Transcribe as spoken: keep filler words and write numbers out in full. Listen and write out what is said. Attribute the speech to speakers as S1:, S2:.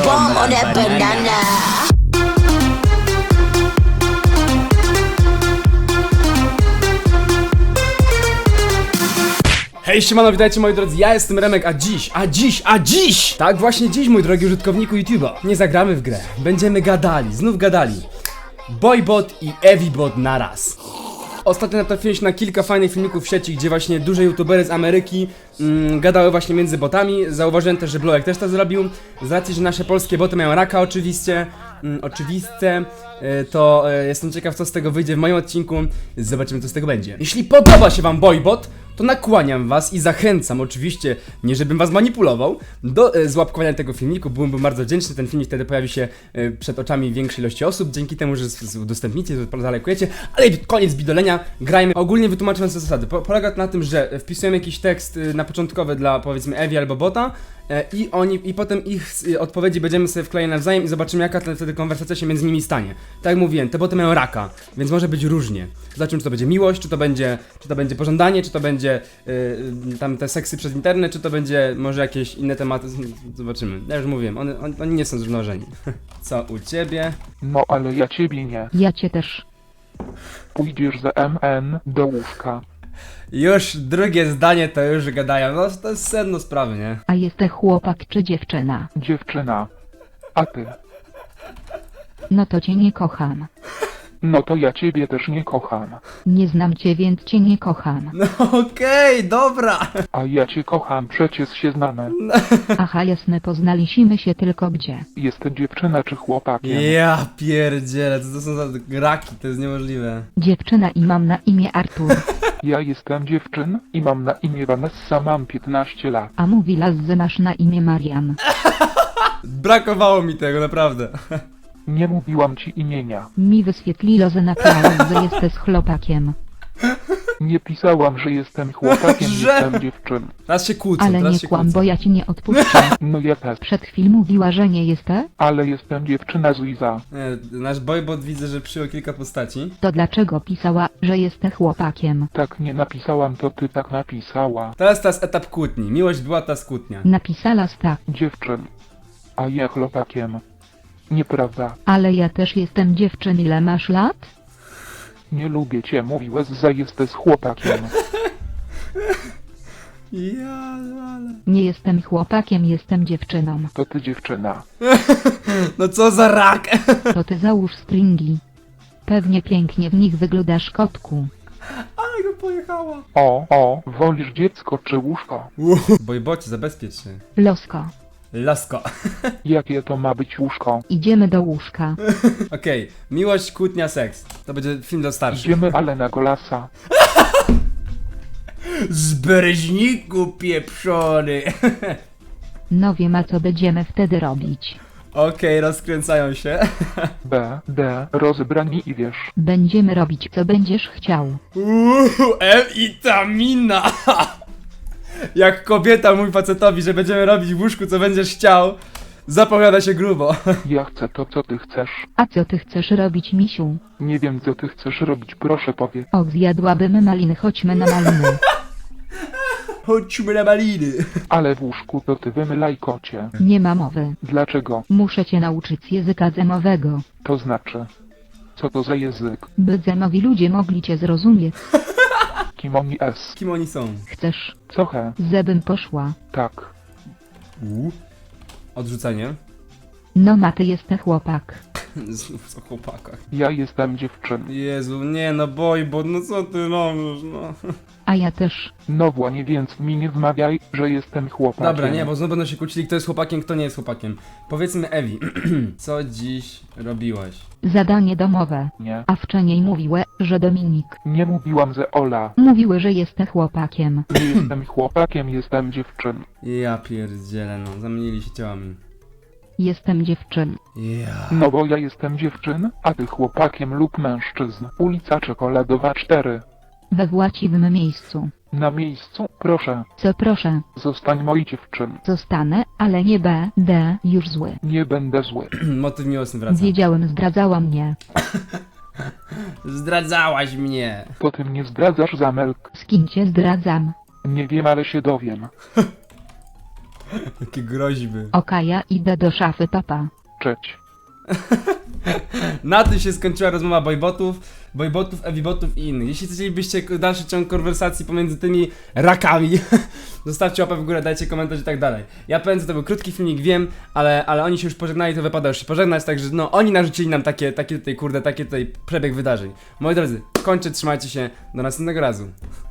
S1: como de banana.
S2: Hej, siemano, witajcie moi drodzy, ja jestem Remek, a dziś, a dziś, a dziś! Tak właśnie dziś, mój drogi użytkowniku YouTube'a. Nie zagramy w grę, będziemy gadali, znów gadali. Boybot i Evibot naraz. Ostatnio natrafiłem się na kilka fajnych filmików w sieci, gdzie właśnie duże youtubery z Ameryki mm, gadały właśnie między botami. Zauważyłem też, że Blowek też to zrobił. Z racji, że nasze polskie boty mają raka oczywiście, mm, oczywiste, y, to y, jestem ciekaw, co z tego wyjdzie w moim odcinku. Zobaczymy, co z tego będzie. Jeśli podoba się wam Boybot, to nakłaniam was i zachęcam, oczywiście, nie żebym was manipulował, do e, złapkowania tego filmiku. Byłbym bardzo wdzięczny, ten filmik wtedy pojawi się e, przed oczami większej ilości osób, dzięki temu, że z- z- udostępnicie, że zalajkujecie, ale koniec bidolenia, grajmy. Ogólnie wytłumaczając zasady, po, polega to na tym, że wpisujemy jakiś tekst e, na początkowy dla, powiedzmy, Evi albo bota, e, i oni, i potem ich e, odpowiedzi będziemy sobie wklejać nawzajem i zobaczymy, jaka ten, wtedy konwersacja się między nimi stanie. Tak jak mówiłem, te boty mają raka, więc może być różnie. Zobaczymy, czy to będzie miłość, czy to będzie, czy to będzie pożądanie, czy to będzie Yy, tam te seksy przez internet, czy to będzie może jakieś inne tematy, zobaczymy. Ja już mówiłem, oni, oni, oni nie są zrównoważeni. Co u ciebie?
S3: No ale ja ciebie nie.
S4: Ja cię też.
S3: Pójdziesz za M N do łóżka.
S2: Już drugie zdanie to już gadają, no to jest sedno sprawy, nie?
S4: A jesteś chłopak czy dziewczyna?
S3: Dziewczyna. A ty?
S4: No to cię nie kocham.
S3: No to ja ciebie też nie kocham.
S4: Nie znam cię, więc cię nie kocham.
S2: No okej, okay, dobra!
S3: A ja cię kocham, przecież się znamy.
S4: Aha, jasne, poznaliśmy się tylko gdzie.
S3: Jest dziewczyna czy chłopakiem?
S2: Ja pierdzielę, co to są za graki, to jest niemożliwe.
S4: Dziewczyna i mam na imię Artur.
S3: Ja jestem dziewczyn i mam na imię Vanessa, mam piętnaście lat.
S4: A mówi las, że masz na imię Marian.
S2: Brakowało mi tego, naprawdę.
S3: Nie mówiłam ci imienia.
S4: Mi wyświetliło, że napisałeś, że jesteś chłopakiem.
S3: Nie pisałam, że jestem chłopakiem,
S2: Że?
S3: jestem dziewczyn.
S2: Teraz się kłócą,
S4: Ale
S2: teraz
S4: nie
S2: się
S4: kłam,
S2: kłócą.
S4: bo ja ci nie odpuszczę.
S3: No ja też.
S4: Przed chwilą mówiła, że nie jesteś?
S3: Ale jestem dziewczyna z Liza.
S2: Nie, nasz boybot widzę, że przyjął kilka postaci.
S4: To dlaczego pisała, że jesteś chłopakiem?
S3: Tak nie napisałam, to ty tak napisała.
S2: Teraz teraz etap kłótni, miłość była ta kłótnia.
S4: Napisała tak,
S3: Dziewczyn. A ja chłopakiem. Nieprawda.
S4: ale ja też jestem dziewczyn, ile masz lat?
S3: Nie lubię cię, mówiłeś, że jesteś chłopakiem.
S2: Ja, ale...
S4: Nie jestem chłopakiem, jestem dziewczyną.
S3: To ty dziewczyna.
S2: No co za rak!
S4: To ty załóż stringi. Pewnie pięknie w nich wyglądasz, kotku.
S2: Ale go pojechała.
S3: O, o, wolisz dziecko czy łóżko?
S2: Boybocie, zabezpiecz się.
S4: Losko.
S2: Lasko.
S3: Jakie to ma być łóżko?
S4: Idziemy do łóżka.
S2: Okej, miłość, kłótnia, seks. To będzie film dla starszych.
S3: Idziemy ale na golasa.
S2: Z Bereźniku pieprzony.
S4: No wiem, a co będziemy wtedy robić.
S2: Okej, rozkręcają się.
S3: B, D, rozebrani i wiesz.
S4: Będziemy robić, co będziesz chciał.
S2: Uuu, M-itamina. Jak kobieta mówi facetowi, że będziemy robić w łóżku, co będziesz chciał, zapowiada się grubo.
S3: Ja chcę to, co ty chcesz.
S4: A co ty chcesz robić, misiu?
S3: Nie wiem, co ty chcesz robić, proszę powiedz.
S4: Och, zjadłabym maliny, chodźmy na maliny.
S2: Chodźmy na maliny.
S3: Ale w łóżku to ty wymylaj kocie.
S4: Nie ma mowy.
S3: Dlaczego?
S4: Muszę cię nauczyć języka zemowego,
S3: To znaczy. Co to za język?
S4: by zemowi ludzie mogli cię zrozumieć.
S3: Kim oni es?
S2: Kim oni są?
S4: Chcesz,
S3: Co he?
S4: żebym poszła?
S3: Tak.
S2: Uuu. Odrzucenie.
S4: No ma, ty jesteś chłopak.
S2: Znów o chłopakach.
S3: Ja jestem dziewczyn.
S2: Jezu, nie no boybot, no co ty robisz, no.
S4: A ja też.
S3: No właśnie, więc mi nie wmawiaj, że jestem chłopakiem.
S2: Dobra, nie, bo znowu będą się kłócili, kto jest chłopakiem, kto nie jest chłopakiem. Powiedzmy Evi, co dziś robiłaś?
S4: Zadanie domowe.
S3: Nie.
S4: A wcześniej mówiły, że Dominik.
S3: Nie mówiłam, że Ola.
S4: Mówiły, że jesteś chłopakiem.
S3: Nie jestem chłopakiem, jestem dziewczyn.
S2: Ja pierdzielę, no, zamienili się ciałami.
S4: Jestem dziewczyn.
S2: Ja.
S3: No bo ja jestem dziewczyn, a ty chłopakiem lub mężczyzn. Ulica Czekoladowa cztery.
S4: We właściwym miejscu.
S3: Na miejscu, proszę.
S4: Co proszę,
S3: Zostań moi dziewczyn.
S4: zostanę, ale nie B, D, już zły.
S3: Nie będę zły.
S2: Motyw miłosny wraca.
S4: Wiedziałem, zdradzała mnie.
S2: Zdradzałaś mnie.
S3: To ty mnie zdradzasz, Zamelk.
S4: Z kim cię zdradzam?
S3: Nie wiem, ale się dowiem.
S2: Jakie groźby.
S4: Oka, ja idę do szafy, papa.
S3: Cześć.
S2: Na tym się skończyła rozmowa boybotów, boybotów, evibotów i innych. Jeśli chcielibyście dalszy ciąg konwersacji pomiędzy tymi rakami, zostawcie łapę w górę, dajcie komentarz i tak dalej. Ja powiem, że to był krótki filmik, wiem, ale, ale oni się już pożegnali, to wypada już się pożegnać, także no, oni narzucili nam takie, takie tutaj, kurde, takie tutaj przebieg wydarzeń. Moi drodzy, kończę, trzymajcie się, do następnego razu.